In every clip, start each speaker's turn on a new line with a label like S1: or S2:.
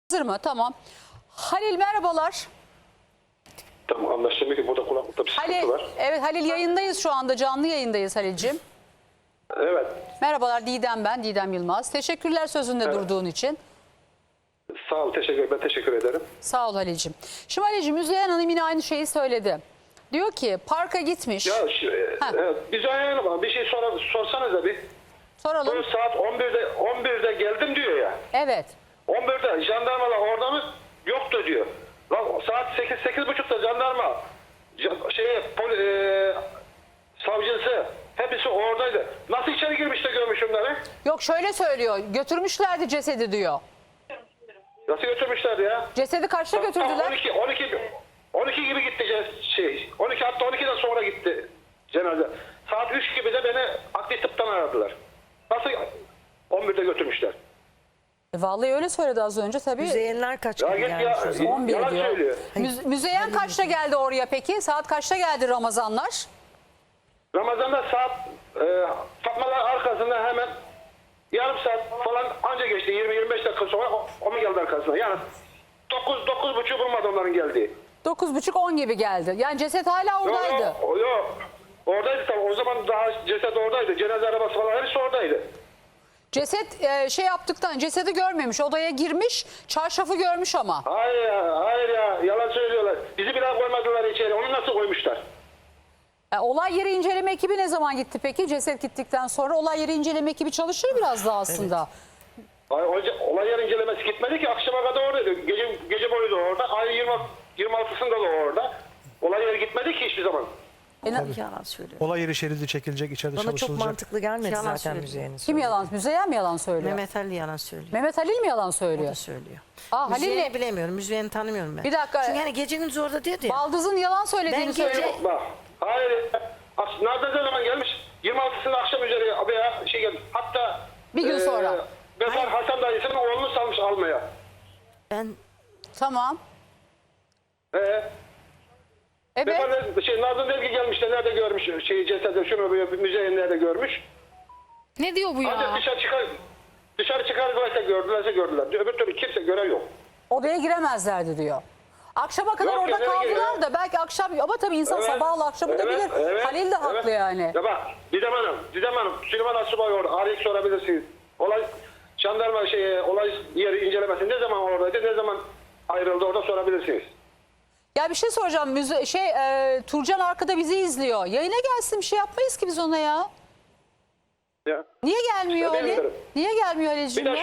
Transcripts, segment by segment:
S1: Hazır mı? Tamam. Halil merhabalar.
S2: Tamam, anlaşılmıyor ki burada kulaklıkta bir sıkıntı
S1: Halil,
S2: var.
S1: evet Halil yayındayız şu anda. Canlı yayındayız Halil'cim.
S2: Evet.
S1: Merhabalar Didem ben. Didem Yılmaz. Teşekkürler sözünde
S2: Evet.
S1: durduğun için.
S2: Sağ ol, ben teşekkür ederim.
S1: Sağ ol Halil'cim. Şimdi Halil'cim Müzeyyen Hanım yine aynı şeyi söyledi. Diyor ki parka gitmiş.
S2: Ya evet, biz ayağına bir şey sorsanız bir.
S1: Soralım.
S2: Bu saat 11'de geldim diyor ya.
S1: Evet.
S2: 11'de jandarmalar orada mı? Yoktu diyor. Lan saat 8.30'da jandarma savcısı hepsi oradaydı. Nasıl içeri girmiş de görmüş onları?
S1: Yok şöyle söylüyor. Götürmüşlerdi cesedi diyor.
S2: Nasıl götürmüşlerdi ya?
S1: Cesedi kaçta götürdüler?
S2: 12 gibi gitti 12 hatta 12'den sonra gitti cenaze. Saat 3 gibi de beni akli tıptan aradılar. Nasıl 11'de götürmüşler?
S1: Vallahi öyle söyledi az önce tabii.
S3: Müzeyyenler kaç
S2: Ya
S3: gibi
S2: git
S3: gelmiş
S2: ya,
S3: o zaman?
S1: 11
S2: yalan
S1: diyor.
S2: söylüyor.
S1: Müzeyyen kaçta geldi oraya peki? Saat kaçta geldi Ramazanlar?
S2: Ramazan'da saat Fatmalar arkasında hemen yarım saat falan anca geçti. 20-25 dakika sonra o mu geldi arkasına? Yani 9-9.30 bulmadı onların geldiği.
S1: 9.30-10 gibi geldi. Yani ceset hala oradaydı.
S2: Yok. Oradaydı tabii. O zaman daha ceset oradaydı. Cenaze arabası falan hepsi oradaydı.
S1: Ceset cesedi görmemiş. Odaya girmiş. Çarşafı görmüş ama.
S2: Hayır ya. Yalan söylüyorlar. Bizi bile koymadılar içeri. Onu nasıl koymuşlar?
S1: Olay yeri inceleme ekibi ne zaman gitti peki? Ceset gittikten sonra olay yeri inceleme ekibi çalışır biraz daha aslında.
S2: Olay yer incelemesi gitmedi ki. Akşama kadar oradaydı. Gece boyu da orada. Ay 26'sında da orada. Olay yeri gitmedi ki hiçbir zaman.
S3: Yalan söylüyor.
S4: Olay yeri şeridi çekilecek, içeride
S3: Bana çok
S4: çalışılacak.
S3: mantıklı gelmedi
S5: Yalan
S3: zaten
S5: söylüyor.
S3: Müzeyyen'in
S1: Kim
S3: söylediği.
S1: yalan? Müzeyyen mi yalan söylüyor?
S5: Mehmet Ali yalan söylüyor.
S1: Mehmet Halil mi yalan
S5: O
S1: söylüyor?
S5: da söylüyor.
S1: Aa,
S5: Müzeyyen'i
S1: Halil'le
S5: bilemiyorum. Müzeyyen'i tanımıyorum ben.
S1: Bir dakika.
S5: Çünkü hani gece gündüz orada diyordu ya.
S1: Baldız'ın yalan söylediğini
S5: Ben
S1: söylüyor.
S5: gece-
S2: Bak. Hayır. Nerede zaman gelmiş? 26'sında akşam üzeri abi ya geldi. Hatta
S1: Bir gün sonra.
S2: Bezar Hasan dayısının oğlunu salmış almaya.
S5: Ben
S1: Tamam.
S2: Evet.
S1: Evet.
S2: Nazım Delgi gelmiş de nerede görmüş cesedi şunu bir müzeyin nerede görmüş.
S6: Ne diyor bu
S2: Ancak
S6: ya?
S2: dışarı çıkardılarsa gördüler. Öbür türlü kimse gören yok.
S1: Odaya giremezlerdi diyor. Akşama kadar
S2: Yok,
S1: orada
S2: nereye
S1: kaldılar
S2: giriyor?
S1: da belki akşam ama tabii insan
S2: Evet,
S1: sabahla akşamı da bilir. Halil de haklı yani.
S2: Ya bak Didem Hanım, Süleyman Asubay orada. Arayıp sorabilirsiniz. Jandarma olay yeri incelemesi ne zaman oradaydı, ne zaman ayrıldı orada sorabilirsiniz.
S1: Ya bir şey soracağım. Turcan arkada bizi izliyor. Yayına gelsin bir şey yapmayız ki biz ona ya.
S2: Ya.
S1: Niye gelmiyor
S2: İşte
S1: Halil?
S2: bilmiyorum.
S1: Niye gelmiyor
S2: Bir
S1: Halil'cim
S2: de
S1: ya?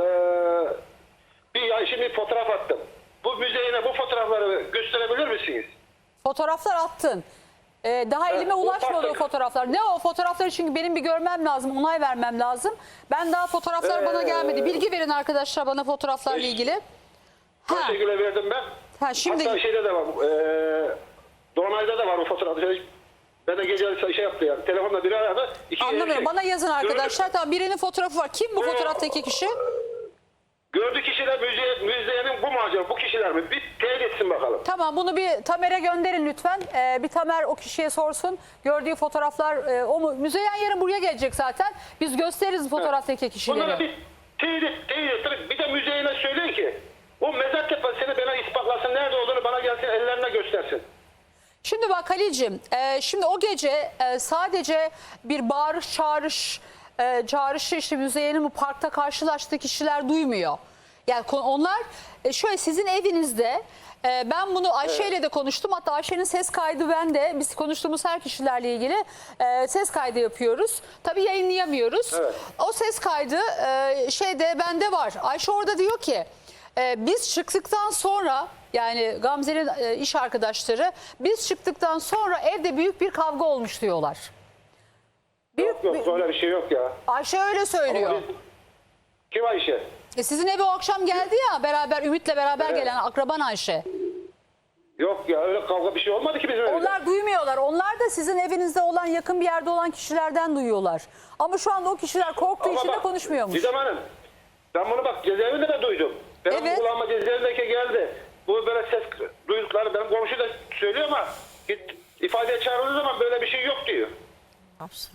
S2: şimdi fotoğraf attım. Bu müzeyine bu fotoğrafları gösterebilir misiniz?
S1: Fotoğraflar attın. Daha elime ulaşmadı o
S2: baktık.
S1: fotoğraflar. Ne o fotoğrafları çünkü benim bir görmem lazım, onay vermem lazım. Ben daha fotoğraflar bana gelmedi. Bilgi verin arkadaşlar bana fotoğraflarla ilgili. Ha,
S2: Teşekkürler verdim ben.
S1: ha şimdi
S2: Hatta şeyde de var. Dolunay'da da var o fotoğraf. Ben de gece yaptı yani. Telefonla biri aradı.
S1: anlamıyorum. Bana yazın arkadaşlar. Tamam birinin fotoğrafı var. Kim bu fotoğraftaki kişi?
S2: Gördüğü kişiler müzeyenin bu mu acaba? Bu kişiler mi? Bir teyit etsin bakalım.
S1: Tamam bunu bir Tamer'e gönderin lütfen. Bir Tamer o kişiye sorsun. Gördüğü fotoğraflar o mu? Müzeyyen yarın buraya gelecek zaten. Biz gösteririz fotoğraftaki
S2: Bunları
S1: kişileri.
S2: bir teyit ettirip bir de müzeyine söyleyin ki o mezar tepesini bana ispatlasın. Nerede olduğunu bana gelsin ellerine göstersin.
S1: Şimdi bak Halil'cim şimdi o gece sadece bir bağırış çağrışı işte Müzeyyen'in bu parkta karşılaştığı kişiler duymuyor. Yani onlar şöyle sizin evinizde ben bunu Ayşe ile de konuştum. Hatta Ayşe'nin ses kaydı bende. Biz konuştuğumuz her kişilerle ilgili ses kaydı yapıyoruz. Tabii yayınlayamıyoruz.
S2: Evet.
S1: O ses kaydı bende var. Ayşe orada diyor ki biz çıktıktan sonra yani Gamze'nin iş arkadaşları biz çıktıktan sonra evde büyük bir kavga olmuş diyorlar.
S2: Yok öyle bir şey yok ya.
S1: Ayşe öyle söylüyor.
S2: Ama kim Ayşe?
S1: Sizin eve o akşam geldi ya beraber Ümit'le beraber
S2: Evet.
S1: gelen akraban Ayşe.
S2: Yok ya öyle kavga bir şey olmadı ki bizim evde.
S1: Onlar duymuyorlar. Onlar da sizin evinizde olan yakın bir yerde olan kişilerden duyuyorlar. Ama şu anda o kişiler korktuğu için de
S2: bak,
S1: konuşmuyormuş.
S2: Didem Hanım ben bunu bak cezaevinde de duydum. Benim
S1: Evet.
S2: kulağıma cezaevindeki geldi. Bu böyle ses duydukları benim komşu da söylüyor ama ifadeye çağrıldığı zaman böyle bir şey yok diyor.
S5: hapse aldım.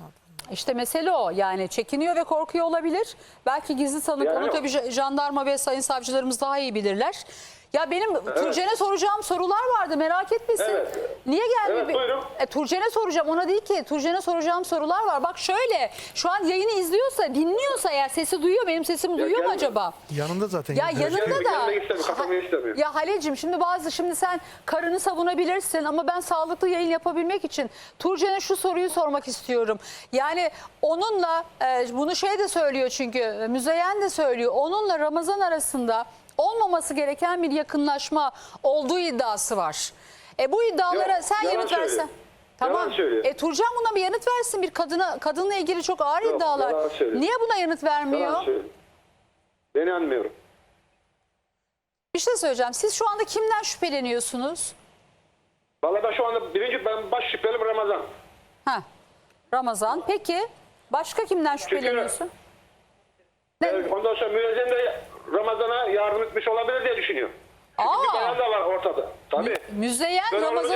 S1: İşte mesele o. Yani çekiniyor ve korkuyor olabilir. Belki gizli tanık.
S2: Yani
S1: Onu tabii jandarma ve sayın savcılarımız daha iyi bilirler. Ya benim Turcen'e soracağım sorular vardı. Merak etmesin.
S2: Evet.
S1: Niye gelmiyor?
S2: Evet, buyurun.
S1: Turcen'e soracağım. Ona değil ki. Turcen'e soracağım sorular var. Bak şöyle. Şu an yayını izliyorsa, dinliyorsa eğer sesi duyuyor. Benim sesimi duyuyor mu
S2: gelme.
S1: acaba?
S4: Yanında zaten.
S1: Ya yanında da.
S2: Gelmek istemiyor, katılmayı istemiyor.
S1: Ya Halil'cim şimdi sen karını savunabilirsin ama ben sağlıklı yayın yapabilmek için Turcen'e şu soruyu sormak istiyorum. Yani onunla bunu şey de söylüyor çünkü Müzeyyen de söylüyor. Onunla Ramazan arasında olmaması gereken bir yakınlaşma olduğu iddiası var. Bu iddialara
S2: Yok,
S1: sen
S2: yalan
S1: yanıt versen.
S2: söylüyor.
S1: Tamam.
S2: Yalan söylüyor.
S1: Turcan buna bir yanıt versin. Bir kadınla ilgili çok ağır
S2: Yok,
S1: iddialar.
S2: yalan söylüyor.
S1: Niye buna yanıt vermiyor?
S2: Yalan söylüyor. Ben inanmıyorum.
S1: Bir şey söyleyeceğim. Siz şu anda kimden şüpheleniyorsunuz?
S2: Vallahi ben şu anda ben baş şüphelim Ramazan.
S1: Ha, Ramazan. Peki başka kimden şüpheleniyorsun?
S2: Ondan sonra müezzin de Ramazan'a yardım etmiş olabilir diye düşünüyor. Çünkü bir bayan da var ortada. Tabii.
S1: Müzeyyen
S2: Ben
S1: Ramazan.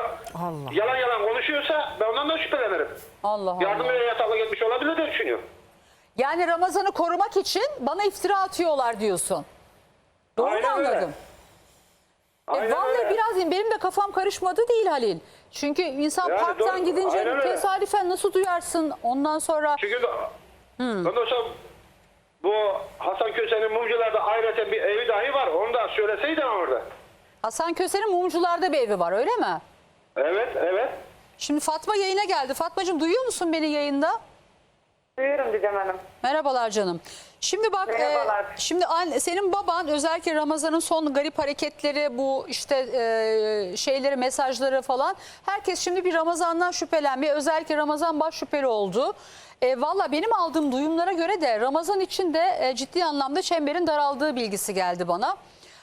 S2: yalan konuşuyorsa ben ondan da şüphelenirim.
S1: Allah
S2: Yardım
S1: Allah.
S2: ve yatakla gitmiş olabilir diye düşünüyor.
S1: Yani Ramazan'ı korumak için bana iftira atıyorlar diyorsun. Doğru mu
S2: Aynen öyle.
S1: anladım?
S2: Aynen
S1: Vallahi
S2: öyle.
S1: biraz benim de kafam karışmadı değil Halil. Çünkü insan
S2: Yani
S1: parktan
S2: doğru,
S1: gidince
S2: aynen öyle.
S1: tesadüfen nasıl duyarsın ondan sonra.
S2: Çünkü ondan sonra bu Hasan Köse'nin mumcularda ayrıca bir evi dahi var. Onu da söyleseydin orada.
S1: Hasan Köse'nin Mumcular'da bir evi var öyle mi?
S2: Evet.
S1: Şimdi Fatma yayına geldi. Fatmacığım duyuyor musun beni yayında?
S7: Duyuyorum Didem Hanım.
S1: Merhabalar canım. Şimdi bak
S7: Merhabalar.
S1: şimdi senin baban özellikle Ramazan'ın son garip hareketleri bu işte şeyleri mesajları falan herkes şimdi bir Ramazan'dan şüphelenmeye özellikle Ramazan baş şüpheli oldu. Valla benim aldığım duyumlara göre de Ramazan için de ciddi anlamda çemberin daraldığı bilgisi geldi bana.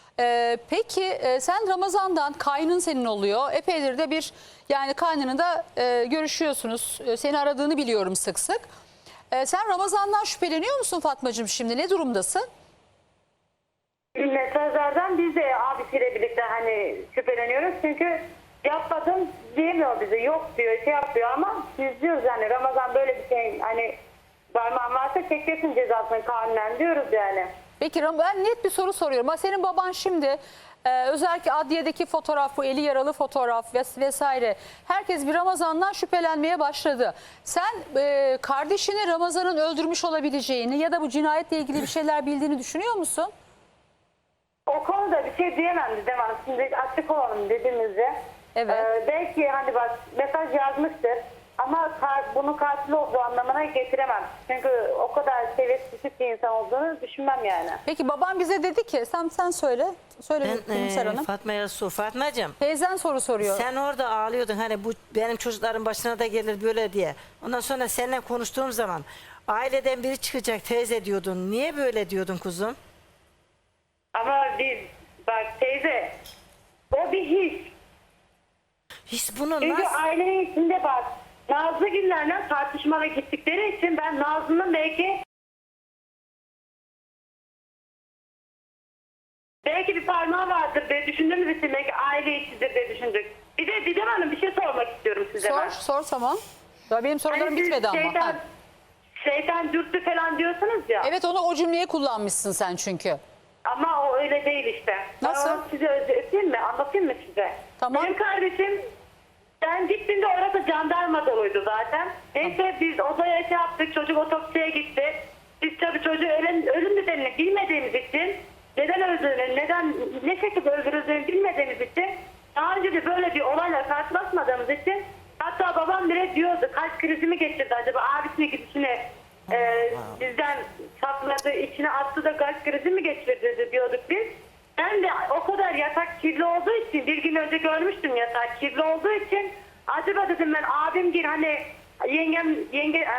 S1: Peki sen Ramazan'dan kaynın senin oluyor. Epeydir de bir yani kaynını da görüşüyorsunuz. Seni aradığını biliyorum sık sık. Sen Ramazan'dan şüpheleniyor musun Fatmacığım şimdi? Ne durumdasın?
S7: Mesajlardan biz de abisiyle birlikte hani şüpheleniyoruz. Çünkü yapmadım diyemiyor bize. Yok diyor, şey yapıyor ama biz diyoruz yani Ramazan böyle bir şey hani parmağın varsa çekeceksin cezasını kanunen diyoruz yani.
S1: Peki ben net bir soru soruyorum. Senin baban şimdi özellikle adliyedeki fotoğraf, bu eli yaralı fotoğraf vesaire. Herkes bir Ramazan'dan şüphelenmeye başladı. Sen kardeşini Ramazan'ın öldürmüş olabileceğini ya da bu cinayetle ilgili bir şeyler bildiğini düşünüyor musun?
S7: O konuda bir şey diyemem Didem Hanım. Şimdi açık olalım dediğimizde.
S1: Evet.
S7: Belki hani bak mesaj yazmıştır. Ama bunun katil olduğu anlamına getiremem. Çünkü o kadar seviyesi düşük bir insan olduğunu düşünmem yani.
S1: Peki babam bize dedi ki sen söyle. Söyle Gülümser Hanım.
S5: Fatma'ya sor. Fatma'cığım
S1: Teyzen soru soruyor.
S5: sen orada ağlıyordun hani bu benim çocukların başına da gelir böyle diye. Ondan sonra seninle konuştuğum zaman aileden biri çıkacak teyze diyordun. Niye böyle diyordun kuzum?
S7: Ama biz bak teyze o bir his.
S5: Hiç bunu
S7: Çünkü
S5: nasıl...
S7: ailenin içinde bak Nazlıgillerle tartışmaya gittikleri için ben Nazlı'nın belki bir parmağı vardır diye düşündüğümüz için belki aile içidir diye düşündük. Bir de Didem Hanım bir şey sormak istiyorum size ben.
S1: Sor tamam. Ya benim sorularım
S7: Hani siz
S1: bitmedi ama. Ha.
S7: şeytan dürttü falan diyorsunuz ya.
S1: Evet o cümleyi kullanmışsın sen çünkü.
S7: Ama o öyle değil işte.
S1: Nasıl?
S7: Ben onu size özetleyeyim mi? Anlatayım mı size?
S1: Tamam.
S7: Benim kardeşim ben gittiğimde orası jandarma doluydu zaten. Neyse biz odaya şey yaptık. Çocuk otopsiye gitti. Biz tabii çocuğu ölüm nedenini bilmediğimiz için neden öldüğünü, ne şekilde öldürüldüğünü bilmediğimiz için daha önce de böyle bir olayla karşılaşmadığımız için hatta babam bile diyordu kalp krizi mi geçirdi acaba abisinin gidişine bizden sakladı, içine attı da kalp krizi mi geçirdi diyorduk biz. Ben de o kadar yatak kirli olduğu için bir gün önce görmüştüm yatak kirli olduğu için acaba dedim ben abim gir hani yenge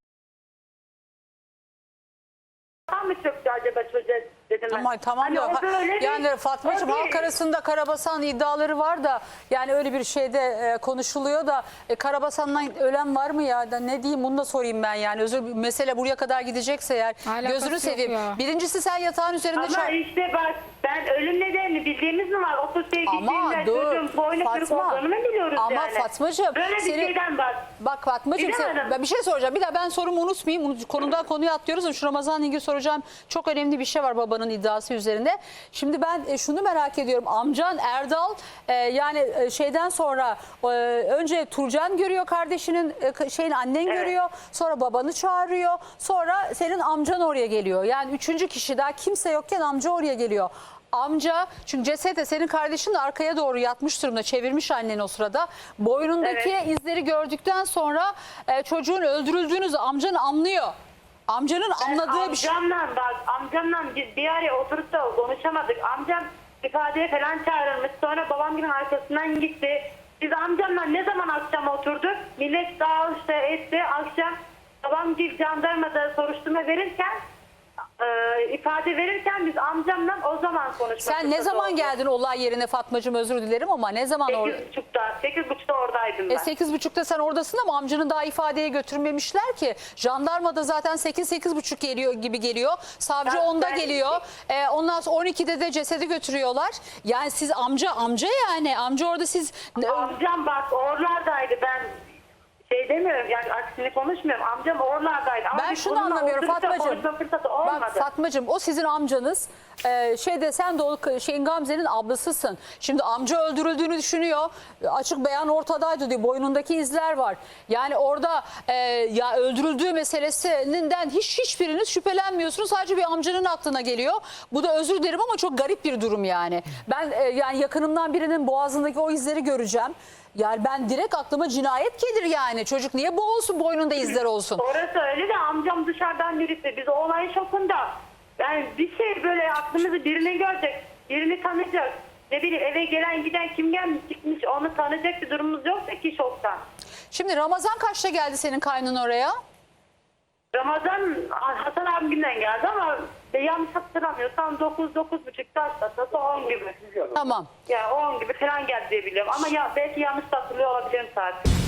S7: mı çöktü acaba çocuğa dedim ben.
S1: Tamam
S7: Hani
S1: ya.
S7: o böyle bir-
S1: Yani Fatmacığım
S7: o bir-
S1: halk arasında Karabasan iddiaları var da yani öyle bir şeyde konuşuluyor da Karabasan'dan ölen var mı ya? Da ne diyeyim bunu da sorayım ben yani. Mesele buraya kadar gidecekse eğer
S6: Alakası
S1: gözünü
S6: yok
S1: seveyim.
S6: ya.
S1: Birincisi sen yatağın üzerinde
S7: Ama işte bak ben ölüm nedenini bildiğimiz mi var? Otobüse
S1: Ama
S7: gittiğinde
S1: dur
S7: çocuğun boynu kırık
S1: Fatma.
S7: olduğunu mu biliyoruz
S1: Ama
S7: yani?
S1: Fatmacığım.
S7: Böyle bir şeyden bak.
S1: Bak Fatmacığım
S7: Bilemedim.
S1: ben bir şey soracağım. Bir daha ben sorumu unutmayayım. Konudan konuya atlıyoruz. Şu Ramazan'la ilgili soracağım. Çok önemli bir şey var babanın iddiası üzerinde. Şimdi ben şunu merak ediyorum. Amcan Erdal yani şeyden sonra önce Turcan görüyor kardeşinin annen görüyor. Sonra babanı çağırıyor. Sonra senin amcan oraya geliyor. Yani üçüncü kişi daha kimse yokken amca oraya geliyor. Amca çünkü cesede senin kardeşin de arkaya doğru yatmış durumda, çevirmiş annen o sırada. Boynundaki izleri gördükten sonra çocuğun öldürüldüğünü amcan anlıyor. Amcanın anladığı bir şey.
S7: Amcamla biz bir araya oturup da konuşamadık. Amcam ifadeye falan çağrılmış. Sonra babam gibi arkasından gitti. Biz amcamla ne zaman akşam oturduk? Millet dağılışta etti. Akşam babam gibi jandarmada soruşturma verirken ifade verirken biz amcamla o zaman konuşmak.
S1: Sen ne zaman geldin olay yerine Fatmacığım, özür dilerim ama ne zaman orada?
S7: 8.30'da oradaydım ben.
S1: 8.30'da sen oradasın ama amcanın daha ifadeye götürmemişler ki. Jandarmada zaten 8-8.30 geliyor gibi geliyor. Savcı 10'da geliyor. Ondan sonra 12'de de cesedi götürüyorlar. Yani siz amca yani. Amca orada siz...
S7: Amcam bak oralardaydı, ben şey demiyorum yani, aksini konuşmuyorum. Amcam oralardaydı. Ama
S1: Ben
S7: biz
S1: şunu
S7: onunla
S1: anlamıyorum
S7: oturup da
S1: Fatmacığım.
S7: konuşma fırsatı olmadı.
S1: Bak Fatmacığım, o sizin amcanız. Sen de o Gamze'nin ablasısın. Şimdi amca öldürüldüğünü düşünüyor. Açık beyan ortadaydı diyor. Boynundaki izler var. Yani orada ya öldürüldüğü meselesinden hiçbiriniz şüphelenmiyorsunuz. Sadece bir amcanın aklına geliyor. Bu da, özür dilerim ama çok garip bir durum yani. Ben yani yakınımdan birinin boğazındaki o izleri göreceğim. Yani ben direkt aklıma cinayet gelir yani. Çocuk niye boğulsun, boynunda izler olsun?
S7: Orası öyle de amcam dışarıdan birisi. Biz o olayın şokunda. Yani bir şey böyle aklımızı birini görecek, birini tanıyacak. Ne bileyim eve gelen giden kim gelmiş gitmiş onu tanıyacak bir durumumuz yoksa ki şoktan.
S1: Şimdi Ramazan kaçta geldi senin kaynın oraya?
S7: Ramazan Hasan abimden geldi ama yanlış hatırlamıyorsam 9-9.30 saat 10 gibi.
S1: Tamam.
S7: Yani 10 gibi falan geldi diye biliyorum ama ya belki yanlış hatırlıyor olabilirim saat.